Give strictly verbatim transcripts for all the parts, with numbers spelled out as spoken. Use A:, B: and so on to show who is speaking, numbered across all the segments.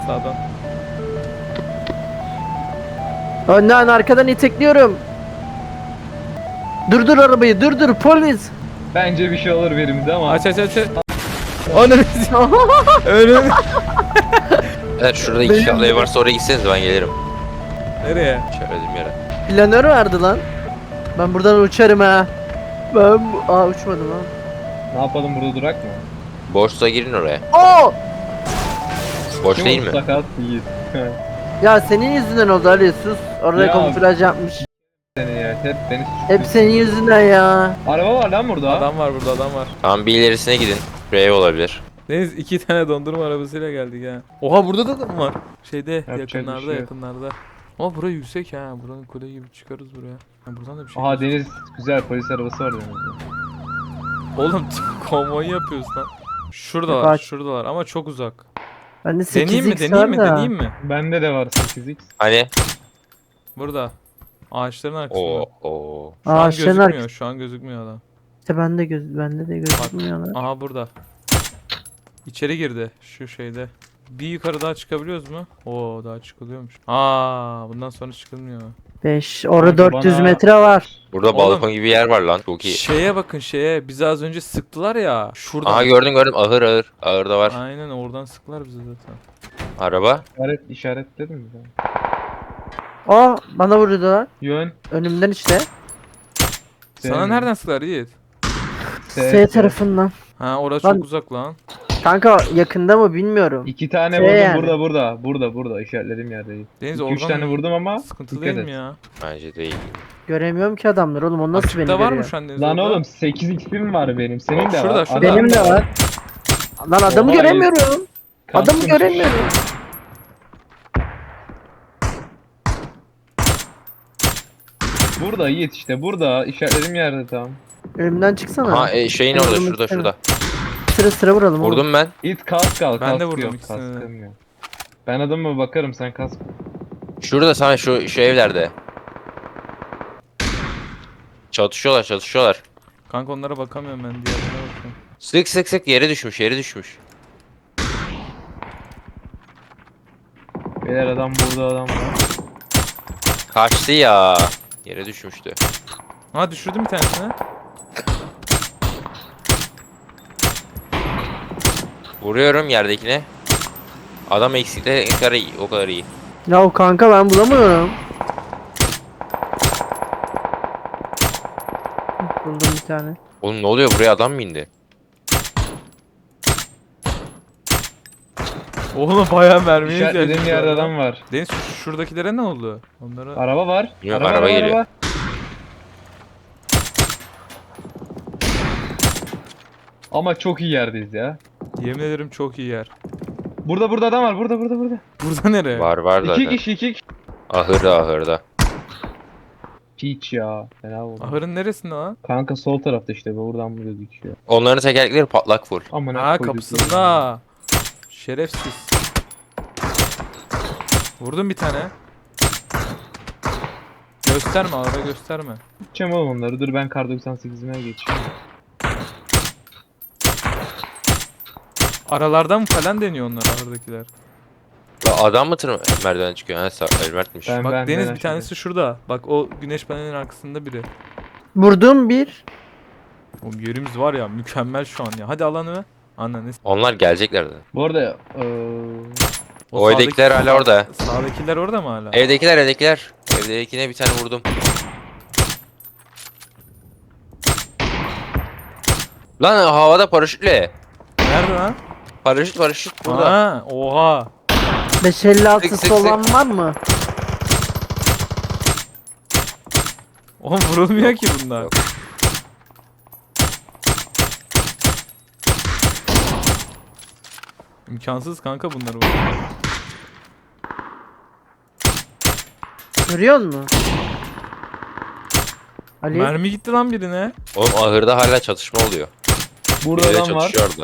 A: Sağdan.
B: Önden arkadan itekliyorum. Durdur arabayı, durdur polis.
C: Bence bir şey olur birimize ama.
A: Aç aç aç. aç. Ananı Önüm.
D: Evet şurada iki katlı ev varsa oraya gitseniz ben gelirim.
A: Nereye?
D: İşaretlediğim yere.
B: Planör vardı lan. Ben buradan uçarım ha. Ben bu... Aa uçmadım ha.
C: Ne yapalım, burada durak mı?
D: Boşsa girin oraya.
B: Oo!
D: Boş
C: Kim
D: değil mi?
C: Sakat Yiğit.
B: Ya senin yüzünden oldu Ali, sus. Orada
C: Ya.
B: kamuflaj yapmış.
C: Seni ya, hep beni
B: Hep senin yüzünden ya.
C: Araba var lan burada.
A: Adam var burada, adam var.
D: Tamam bir ilerisine gidin. Buraya ev olabilir.
A: Deniz iki tane dondurma arabasıyla geldik ha. Oha burada da adam var. Şeyde
C: Yapacak bir
A: yakınlarda
C: şey yok.
A: yakınlarda. Ama bura yüksek ha. Buranın kule gibi çıkarız buraya. Ha, buradan da bir şey.
C: Aha
A: gözüküyor.
C: Deniz, güzel polis arabası var denizde.
A: Oğlum konvoy yapıyoruz lan. Şuradalar,
B: Bak.
A: şuradalar ama çok uzak.
B: Bende
A: Deneyeyim mi,
B: sekiz x
A: deneyeyim mi,
B: var da.
A: deneyeyim mi?
C: Bende de var sekiz x.
D: Hani?
A: Burada. Ağaçların arkasında.
D: Oo oo.
A: Şu an
B: Ağaçların
A: gözükmüyor,
B: arkasında.
A: şu an gözükmüyor adam.
B: İşte bende göz bende de gözükmüyor lan.
A: Aha burada. İçeri girdi şu şeyde. Bir yukarı daha çıkabiliyoruz mu? Oo daha çıkılıyormuş. Aa bundan sonra çıkılmıyor.
B: beş. Orada
C: Kanka
B: dört yüz
C: bana-
B: metre var.
D: Burada
A: Oğlum.
D: balkon gibi yer var lan. Çok iyi.
A: Şeye bakın şeye. Bizi az önce sıktılar ya. Şurada.
D: Aha gördüm gördüm. Ahır ahır. Ahırda var.
A: Aynen oradan sıktılar bizi zaten.
D: Araba.
C: İşaret, işaretledin mi?
B: Aa bana vurdular.
C: Yön.
B: Önümden işte.
A: Sana
C: Sevmiyorum.
A: nereden sıktılar Yiğit?
B: S,
C: S,
B: tarafından.
A: Ha orası
B: Lan-
A: çok uzak lan.
B: Kanka yakında mı bilmiyorum.
C: İki tane
B: Şey
C: vurdum
B: yani.
C: burada burada. Burada burada işaretlediğim yerdeyim.
A: Deniz
C: İki üç
A: oradan
C: tane vurdum ama
A: sıkıntı
C: dikkat
A: değil
C: et.
A: mi ya?
D: Bence değil.
B: Göremiyorum ki adamlar oğlum, o nasıl beni
A: Açıkta var
B: görüyor?
A: mı şu an Deniz
C: Lan
A: orada?
C: oğlum sekiz x'im var benim. Senin de
A: Şurada,
C: var.
A: şurada.
C: Adam
B: Benim de
C: da
B: var. Lan adamı
C: Oha,
B: göremiyorum. Adamı
C: Kaskım
B: göremiyorum.
C: Burada Yiğit işte burada. İşaretlediğim yerde tam.
B: Önümden çıksana.
D: Ha e, şeyin
B: Ben
D: orada
B: vurmak
D: şurada
B: istemem.
D: şurada.
B: Sıra sıra vuralım oğlum.
D: Vurdum ben.
C: Yiğit kask al.
A: Ben de
C: kaskı
A: vurdum
C: yok,
A: ikisine de.
C: kaskım yok. Ben adamıma bakarım, sen kask.
D: Şurada sana şu şu evlerde. Çatışıyorlar çatışıyorlar.
A: Kanka onlara bakamıyorum ben, diğerlerine bakıyorum.
D: Sık sık sık yere düşmüş yere düşmüş.
C: Beyler adam burada, adam var.
D: Kaçtı ya. Yere düşmüştü.
A: Ha düşürdüm bir tanesini.
D: Vuruyorum yerdekine. Adam eksikte ne kadar iyi, o kadar iyi.
B: Ya o kanka ben bulamıyorum. Buldum bir tane.
D: Oğlum ne oluyor, buraya adam mı indi?
A: Oğlum bayağı mermiye
C: İşaretlediğim
A: ihtiyacımız
C: yerde
A: var lan.
C: adam var.
A: Deniz şu- şuradakilere ne oldu? Onlara...
C: Araba var.
D: Yok, araba geliyor.
C: Ama çok iyi yerdeyiz ya.
A: Yemin ederim çok iyi yer.
C: Burada burada adam var. Burada burada burada.
A: Burada nereye?
D: Var var zaten.
C: İki kişi iki kişi.
D: Ahırda ahırda.
C: Hiç ya. Fena oldu.
A: Ahırın neresinde lan?
C: Kanka sol tarafta işte. Buradan bu gözüküyor.
D: Onların tekerlekleri patlak full.
C: Aman
A: Ha kapısında. Şerefsiz. Vurdum bir tane. Gösterme ara gösterme.
C: Gideceğim oğlum onları. Dur ben kar doksan sekizime geçeyim.
A: Aralardan mı falan deniyor onlar ahırdakiler.
D: La adam mı tır merdiven çıkıyor? Ha sağ- Elmert'miş.
C: Ben-
A: Bak Deniz
C: ben
A: bir tanesi şurada. Bak o güneş panelinin arkasında biri.
B: Vurdum bir.
A: Oğlum yerimiz var ya mükemmel şu an ya. Hadi alanı. Ananı. s-
D: Onlar gelecekler de.
C: Bu arada eee
D: O
A: sağdaki-
D: evdekiler hala orada.
A: Sağdakiler orada mı hala?
D: Evdekiler evdekiler. Evdekine bir tane vurdum. Lan havada paraşütle.
A: Nerede lan?
D: Paraşüt paraşüt burada.
A: Ha, oha.
B: beş elli
D: Sık, sık,
B: altısı
D: sık.
B: olan var mı?
A: Oğlum vurulmuyor ki bunlar.
D: Yok.
A: İmkansız kanka bunları.
B: Görüyor musun? Ali.
A: Mermi gitti lan birine.
D: Oğlum ahırda hala çatışma oluyor.
C: burada
D: Biriyle
C: adam var.
D: çatışıyor orada.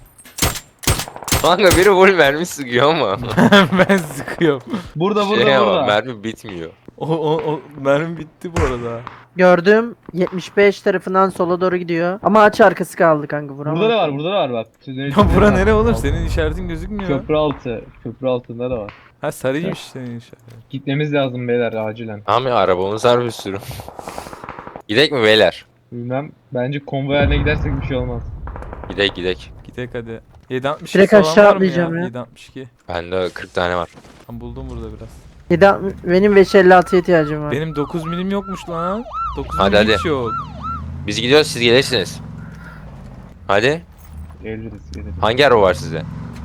D: Kanka biri full mermi sıkıyor ama.
A: Ben sıkıyorum.
C: Burada burada
D: Şey ama
C: burada.
D: mermi bitmiyor.
A: O, o, o mermi bitti bu arada.
B: Gördüm. yetmiş beş tarafından sola doğru gidiyor. Ama aç arkası kaldı kanka vuramam.
C: Burada da var, burada da var bak.
A: Ya bura nere oğlum? Senin işaretin gözükmüyor.
C: Köprü altı. Köprü altında da var.
A: Ha sarıymış senin işaretin.
C: Gitmemiz lazım beyler acilen.
D: Abi arabamız var bir sürü. Gidek mi beyler?
C: Bilmem. Bence konvoy haline gidersek bir şey olmaz.
D: Gidek gidek.
A: Gidek hadi. yedi altmış
B: Direkt
A: falan
B: aşağı
A: var mı
B: atlayacağım ya.
A: yedi altmış iki.
D: Bende kırk tane var.
A: Ben buldum burada biraz.
B: yedi altmış benim beş elli altıya ihtiyacım var.
A: Benim dokuz milim yokmuş lan. dokuz
D: Hadi,
A: milim
D: hadi.
A: hiç yok.
D: Biz gidiyoruz siz gelirsiniz. Hadi.
C: Geliriz geliriz.
D: Hangi araba var sizde?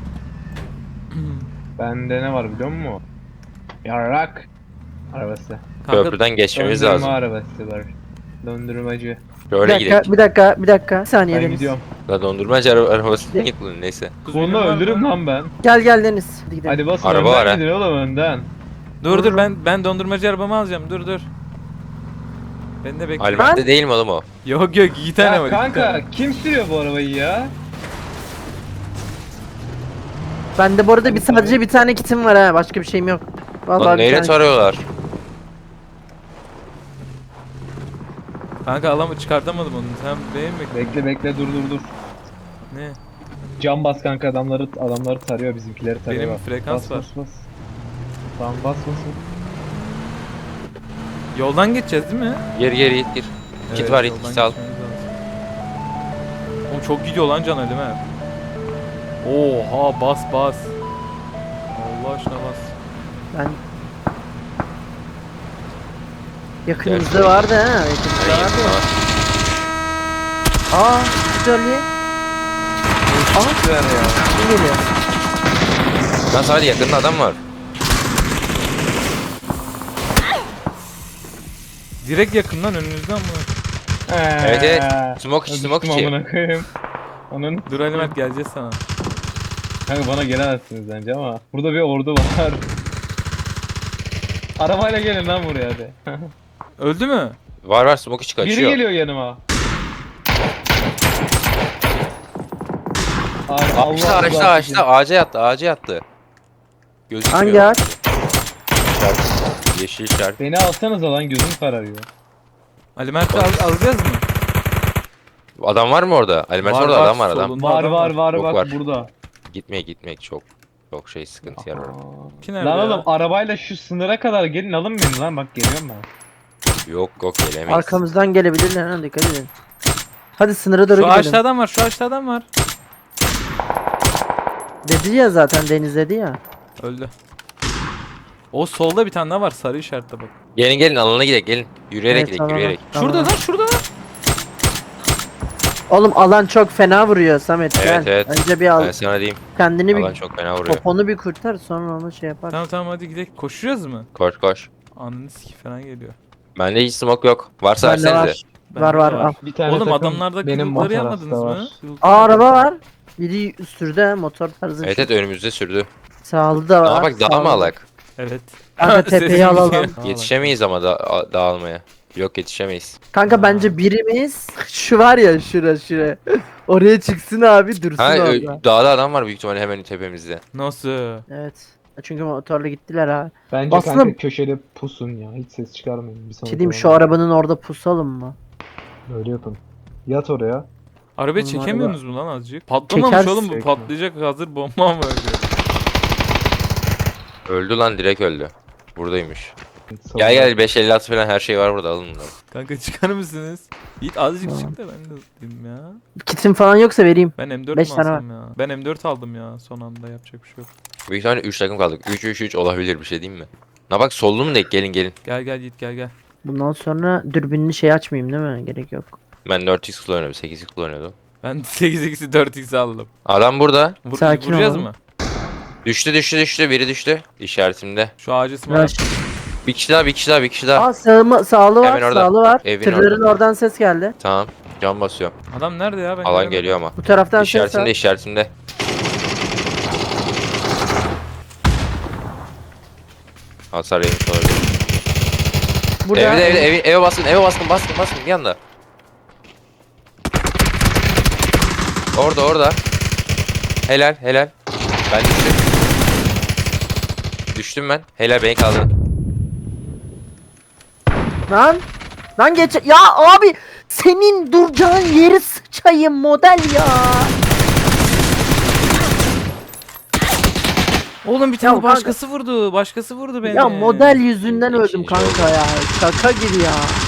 C: Bende ne var biliyor musun? Yarrak. Arabası.
A: Kanka,
D: Köprüden geçmemiz
C: Döndürme
D: lazım.
C: arabası var. Döndürmacı.
B: Bir
D: Böyle
B: dakika,
D: gidelim.
B: bir dakika, bir dakika. Bir saniye
C: Ben
B: Deniz.
C: gidiyorum.
D: La dondurmacı ara arabasına git bunun neyse.
A: dokuz milim
C: Bunu
A: var mı?
C: öldürürüm lan ben.
B: Gel gel Deniz. Hadi gidelim.
C: Hadi basın
D: Araba
C: önden
D: var ha.
C: gidin oğlum önden.
A: Dur dur ben ben dondurmacı arabamı alacağım. Dur dur. Ben de bekle.
D: Almette değil mi oğlum o?
A: Yok yok iki tane
C: Ya
A: var. iki
C: kanka
A: tane.
C: kim sürüyor bu arabayı ya?
B: Bende bu arada
C: Hadi
B: bir sadece
C: tabii.
B: bir tane kitim var ha. Başka bir şeyim yok. Vallahi
D: Lan
B: bir
D: neyle
B: tane.
D: tarıyorlar?
A: Kanka alamı çıkartamadım onu. Sen benim bekle.
C: Bekle bekle dur dur dur.
A: Ne?
C: Cam bas kanka adamları adamları tarıyor bizimkileri tarıyor.
A: Benim
C: bak.
A: frekans
C: bas,
A: var.
C: Bas bas. Tamam bas bas. bas.
A: Yoldan geçeceğiz değil mi?
D: Geri geri git gir. Kit var, git,
A: yoldan
D: kit al.
A: geçmemiz lazım. Oğlum çok gidiyor lan Can Ali mi? Oha bas bas. Allah aşkına bas.
B: Ben... Yakınımızda vardı ha. Yakınımızda
D: Aynen,
B: vardı.
D: tamam.
B: Aa, güzelliği. Aa,
C: Güzel ya.
B: kim geliyor?
D: Lan sadece yakında adam var.
A: Direkt yakından önünüzden mi?
D: Evet, evet.
C: Eee,
D: Smoke içi, smoke
C: düştüm
D: içi.
C: amına koyayım. Onun
A: Dur Ali Mert geleceğiz sana.
C: kanka bana gelemezsiniz bence ama burada bir ordu var. Arabayla gelin lan buraya hadi.
A: Öldü mü?
D: Var var smoke içi
C: Biri
D: kaçıyor.
C: geliyor yanıma. Ay,
D: Ağaçta ağaçta
C: rızası için.
D: ağaçta ağaca yattı ağaca yattı. Gözükmüyor.
B: Hangi ağaç?
D: İşaret. Yeşil işaret.
C: Beni alsanıza lan gözüm kararıyor.
A: Ali Mert'i al alacağız mı?
D: Adam var mı orada? Alimet
A: Var,
D: orada
A: var,
D: adam var adam.
A: solunda
C: Var
A: adam
C: var var
D: Yok,
C: bak
D: var.
C: burada.
D: Gitmeye gitmek çok çok şey sıkıntı yer orada.
A: Ki nerede
C: Lan
A: ya?
C: oğlum arabayla şu sınıra kadar gelin alın beni lan bak geliyorum ben.
D: Yok yok gelemeyiz.
B: Arkamızdan gelebilirler ha, dikkat edin. Hadi sınıra doğru
A: Şu
B: gidelim.
A: ağaçta adam var, şu ağaçta adam var.
B: Dedi ya zaten Deniz dedi ya.
A: Öldü. O solda bir tane daha var, sarı işaretle bak.
D: Gelin gelin alana gidelim gelin. Yürüyerek
B: Evet,
D: gidelim
B: tamam,
D: yürüyerek.
B: tamam.
A: Şurada lan, şurada lan.
B: Oğlum alan çok fena vuruyor Samet.
D: Evet,
B: gel.
D: evet.
B: Önce bir al.
D: Ben sana diyeyim.
B: Kendini
D: Alan
B: bir
D: çok fena vuruyor.
B: poponu bir kurtar sonra onu şey yapar.
A: Tamam tamam hadi gidelim. Koşuyoruz mu?
D: Koş koş.
A: Ananı siki falan geliyor.
D: Bende hiç smoke yok. Varsa
B: Bende
D: versenize.
B: var.
A: Bende
B: Var
A: de
B: var al.
C: Bir tane
A: Oğlum
C: takım
A: adamlarda
C: benim
A: kılıkları
C: motor
A: yapmadınız
C: hasta
A: mı?
C: var.
A: Kılıkları-
B: Aa araba var. Biri üstürde motor tarzı.
D: Evet evet önümüzde sürdü.
B: Sağlı da var.
D: Aa bak daha mı
B: sağlı.
D: alak?
A: Evet.
B: Kanka tepeyi
A: Sesim
B: alalım.
A: gidiyor.
D: Yetişemeyiz ama da a- dağılmaya. Yok yetişemeyiz.
B: Kanka bence birimiz şu var ya şura şura. Oraya çıksın abi dursun
D: Ha ö-
B: orada.
D: dağda adam var büyük ihtimalle hemen tepemizde.
A: Nasıl?
B: Evet. Çünkü motorla gittiler ha.
C: Bence
B: Aslında-
C: kanka köşede pusun ya hiç ses çıkarmayın. Bir sonraki
B: Şey diyeyim şu
C: oyunda.
B: arabanın orada pusalım mı?
C: Öyle yapın. Yat oraya.
A: Arabayı
B: Oğlum,
A: çekemiyorsunuz mu lan azıcık? Patlamamış
B: Çekersin.
A: oğlum bu,
C: Çekme.
A: patlayacak hazır bomba mı öyle?
D: Öldü lan direkt öldü. Buradaymış.
C: Savun-
D: Gel gel beş elli altı falan her şey var burada alın bunları.
A: Kanka çıkar mısınız? Yiğit azıcık
B: Tamam.
A: çık da ben de tutayım ya.
B: Kitim falan yoksa vereyim.
A: Ben M dört
B: Beş
A: mi
B: tane
A: alsam ya? Ben M dört aldım ya son anda yapacak bir şey yok.
D: Büyük ihtimalle üç takım kaldık. üç üç üç olabilir bir şey diyeyim mi? Na bak sollu mu denk gelin gelin.
A: Gel gel Yiğit gel gel.
B: Bundan sonra dürbünlü şey açmayayım değil mi? Gerek yok.
D: Ben dört x kullanıyorum sekiz x kullanıyordum.
A: Ben sekiz x'i dört x aldım.
D: Adam burada.
A: Vur,
B: Sakin
A: vuracağız
B: ol.
A: mı?
D: Düştü düştü düştü biri düştü. İşaretimde.
A: Şu ağacı ısmarla.
B: Rush.
D: Bir kişi daha bir kişi daha bir kişi daha.
B: Aa sağımı, sağlı var,
D: Hemen orada.
B: sağlı var.
D: Evin
B: Tırların
D: orada.
B: oradan ses geldi.
D: Tamam. Can basıyorum.
A: Adam nerede ya? Ben
D: Alan
A: göremedim.
D: geliyor ama.
B: Bu taraftan ses
D: İşaretimde
B: var.
D: işaretimde. Hasar yemiş olabilir.
B: Burada.
D: Evde evde evi, eve baskın eve baskın baskın baskın bir yanda. Orada orada. Helal helal. Ben düştüm. Düştüm ben. Helal beni kaldırın.
B: Lan. Lan geç. Ya abi senin duracağın yeri sıçayım model ya.
A: Oğlum bir tane
B: Ya kanka-
A: başkası vurdu. Başkası vurdu beni.
B: Ya model yüzünden
D: İkinci
B: öldüm
D: oldu.
B: kanka ya. Şaka gibi ya.